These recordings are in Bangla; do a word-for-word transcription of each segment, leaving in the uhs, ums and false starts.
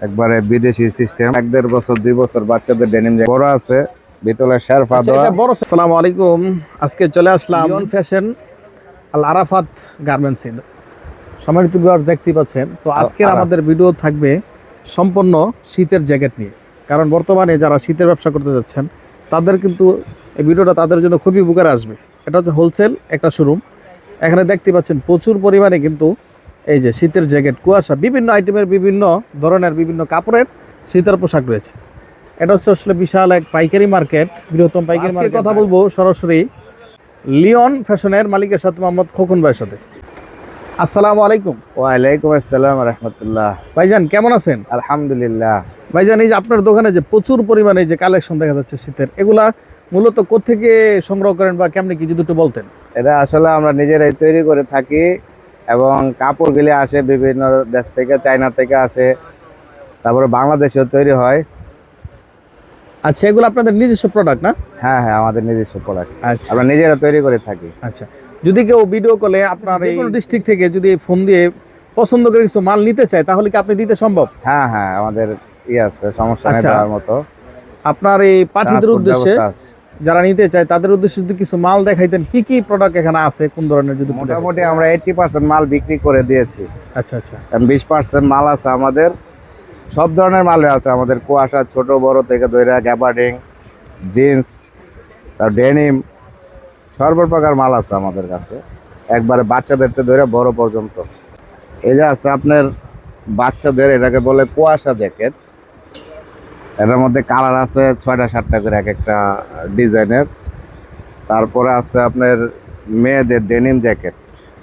একবারে বিদেশি সিস্টেম। এক দেড় বছর দুই বছর বাচ্চাদের ডেনিম বড় আছে, ভিতরে শেরফা দেওয়া। বড়। আসসালামু আলাইকুম, আজকে চলে আসলাম Leon fashion Al Arafat garments. সম্মানিত ভিউয়ার্স, দেখতেই পাচ্ছেন। তো আজকের আমাদের ভিডিও থাকবে সম্পূর্ণ শীতের জ্যাকেট নিয়ে, কারণ বর্তমানে যারা শীতের ব্যবসা করতে যাচ্ছেন তাদের কিন্তু এই ভিডিওটা তাদের জন্য খুবই উপকারে আসবে। এটা হচ্ছে হোলসেল একটা শোরুম। এখানে দেখতে পাচ্ছেন প্রচুর পরিমাণে কিন্তু এই যে শীতের জ্যাকেট, কুয়াশা, বিভিন্ন আইটেমের বিভিন্ন ধরনের বিভিন্ন কাপড়ের শীতের পোশাক রয়েছে। এটা হচ্ছে আসলে বিশাল এক পাইকারি মার্কেট, বৃহত্তম পাইকারি মার্কেট। কথা বলবো সরাসরি লিওন ফ্যাশনের মালিকের সাথে, মোহাম্মদ খোকন ভাইয়ের সাথে। আসসালামু আলাইকুম। ওয়ালাইকুম আসসালাম রাহমাতুল্লাহ। ভাইজান কেমন আছেন? আলহামদুলিল্লাহ। ভাইজান, এই যে আপনার দোকানে যে প্রচুর পরিমাণে যে কালেকশন দেখা যাচ্ছে শীতের, এগুলা মূলত কোত্থেকে সংগ্রহ করেন বা কেমনি কি যদি একটু বলতেন? এটা আসলে আমরা নিজেরাই তৈরি করে থাকি এবং কাপড়গুলি আসে বিভিন্ন দেশ থেকে, চায়না থেকে আসে, তারপরে বাংলাদেশেও তৈরি হয়। আচ্ছা, এগুলো আপনাদের নিজস্ব প্রোডাক্ট না? হ্যাঁ হ্যাঁ, আমাদের নিজস্ব প্রোডাক্ট। আচ্ছা, আমরা নিজেরা তৈরি করে থাকি। আচ্ছা, যদি কেউ ভিডিও কলে আপনার এই কোনো ডিস্ট্রিক্ট থেকে যদি ফোন দিয়ে পছন্দ করে কিছু মাল নিতে চায়, তাহলে কি আপনি দিতে সম্ভব? হ্যাঁ হ্যাঁ, আমাদের ই আছে, সমস্যা নেই দেওয়ার মতো। আপনার এই পাঠিদের উদ্দেশ্যে যারা নিতে চায় তাদের উদ্দেশ্যে যদি কিছু মাল দেখাইতেন, কি কি প্রোডাক্ট এখানে আছে, কোন ধরনের? যদি মোটামুটি আমরা এইটি পার্সেন্ট মাল বিক্রি করে দিয়েছি। আচ্ছা আচ্ছা, বিশ পার্সেন্ট মাল আছে আমাদের। সব ধরনের মাল আছে আমাদের, কুয়াশা ছোট বড় থেকে ধরে গ্যাবার্ডিং, জিন্স, তার ডেনিম, সর্বপ্রকার মাল আছে আমাদের কাছে, একবারে বাচ্চাদের থেকে ধরে বড় পর্যন্ত। এই যে আছে আপনার বাচ্চাদের, এটাকে বলে কুয়াশা জ্যাকেট। এটার মধ্যে কালার আছে ছয়টা সাতটা করে এক একটা ডিজাইনের। তারপরে আছে আপনার মেয়েদের ডেনিম জ্যাকেট,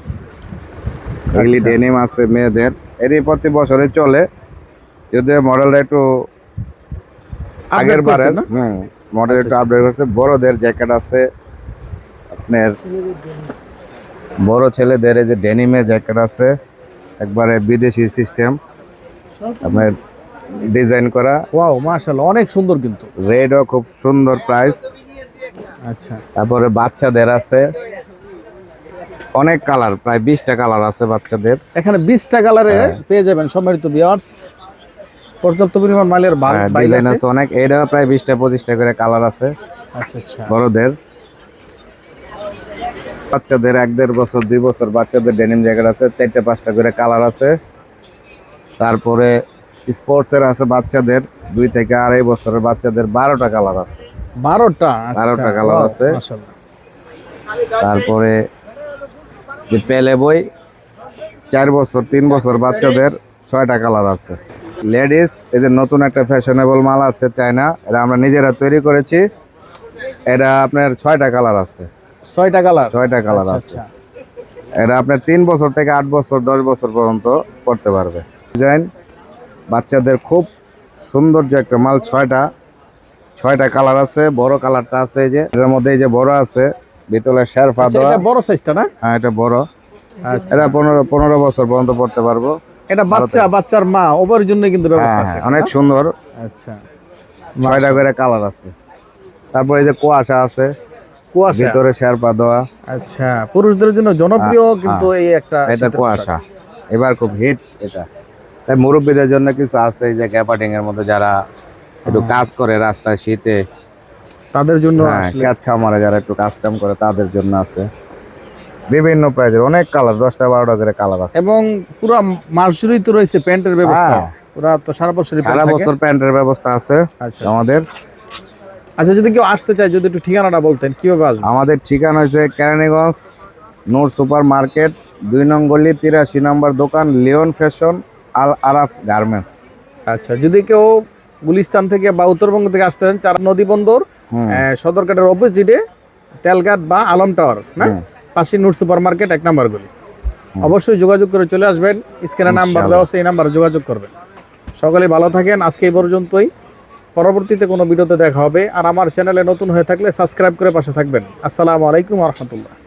এগুলি ডেনিম আছে মেয়েদের। এরই প্রতি বছরে চলে, যদিও মডেলটা একটু আগের বারের, হুম মডেল একটু আপডেট করছে। বড়দের জ্যাকেট আছে আপনার, বড় ছেলেদের এই যে ডেনিমের জ্যাকেট আছে, একবারে বিদেশি সিস্টেম, আপনার ডিজাইন করা। ওয়াও, মাশাআল্লাহ, অনেক সুন্দর কিন্তু। রেডও খুব সুন্দর প্রাইস। আচ্ছা, তারপরে বাচ্চাদের আছে অনেক কালার, প্রায় বিশটা কালার আছে বাচ্চাদের। এখানে বিশটা কালারে পেয়ে যাবেন সম্মানিত ভিউয়ার্স। পর্যাপ্ত পরিমাণ মালের ডিজাইন আছে অনেক। এটা প্রায় বিশটা পঁচিশটা করে কালার আছে। আচ্ছা আচ্ছা, বড়দের, বাচ্চাদের এক দেড় বছর দুই বছর বাচ্চাদের ডেনিম জ্যাকেট আছে, চারটে পাঁচটা করে কালার আছে। তারপরে স্পোর্টসের আছে বাচ্চাদের, দুই থেকে আড়াই বছরের বাচ্চাদের বারোটা কালার আছে। বারোটা বারোটা কালার আছে। তারপরে যে পেলে বই, চার বছর তিন বছর বাচ্চাদের ছয়টা কালার আছে। লেডিস, এই যে নতুন একটা ফ্যাশনেবল মাল আসছে চায়না, এটা আমরা নিজেরা তৈরি করেছি। এটা আপনার ছয়টা কালার আছে। ছয়টা কালার ছয়টা কালার আছে। এটা আপনার তিন বছর থেকে আট বছর দশ বছর পর্যন্ত পড়তে পারবে। ডিজাইন বাচ্চাদের খুব সৌন্দর্য একটা মাল। ছয়টা ছয়টা কালার আছে। বড় কালারটা আছে এই যে, এর মধ্যে এই যে বড় আছে, ভিতরে শেরফা দেওয়া। এটা বড় সাইজটা না? হ্যাঁ, এটা বড়। এটা পনেরো পনেরো বছর পর্যন্ত পড়তে পারবো। এটা বাচ্চা, বাচ্চার মা, ওভার জন্য কিন্তু ব্যবস্থা আছে। অনেক সুন্দর। আচ্ছা, ছয়টা করে কালার আছে। তারপর এই যে কুয়াশা আছে, কুয়াশা, ভিতরে শেরপা দেওয়া। আচ্ছা, পুরুষদের জন্য জনপ্রিয় কিন্তু এই একটা। এটা কুয়াশা এবার খুব হিট এটা। তাই মুরব্বীদের জন্য কিছু আছে, এই যে গ্যাপার্ডিং এর মধ্যে যারা একটু কাজ করে রাস্তায় শীতে, তাদের জন্য, ক্যাট খামারে যারা একটু কাজ কাম করে তাদের জন্য আছে। বিভিন্ন প্রাইজের অনেক কালার, দশটা বারোটা করে কালার আছে। এবং পুরো মাস জুড়েই তো রয়েছে প্যান্টের ব্যবস্থা। পুরো তো সারা বছর সারা বছর প্যান্টের ব্যবস্থা আছে আমাদের। আচ্ছা, যদি কেউ আসতে চায়, যদি একটু ঠিকানাটা বলতেন কিভাবে আসবে? আমাদের ঠিকানা হচ্ছে কেরানীগঞ্জ নূর সুপার মার্কেট, দুই নং গলি, তিরাশি নম্বর দোকান, Leon fashion Al Araf garments. আচ্ছা, যদি কেউ গুলিস্তান থেকে বা উত্তরবঙ্গ থেকে আসতে চান, চার নদী বন্দর সদরঘাটের অপোজিটে তেলঘাট বা আলম টাওয়ার না, পাশে নূর সুপার মার্কেট এক নম্বর গলি, অবশ্যই যোগাযোগ করে চলে আসবেন। স্ক্রিনে নাম্বার দেওয়া আছে, এই নাম্বারে যোগাযোগ করবেন। সকলে ভালো থাকেন। আজকে এই পর্যন্তই। পরবর্তীতে কোনো ভিডিওতে দেখা হবে। আর আমার চ্যানেলে নতুন হয়ে থাকলে সাবস্ক্রাইব করে পাশে থাকবেন। আসসালামু আলাইকুম ওয়া রাহমাতুল্লাহ।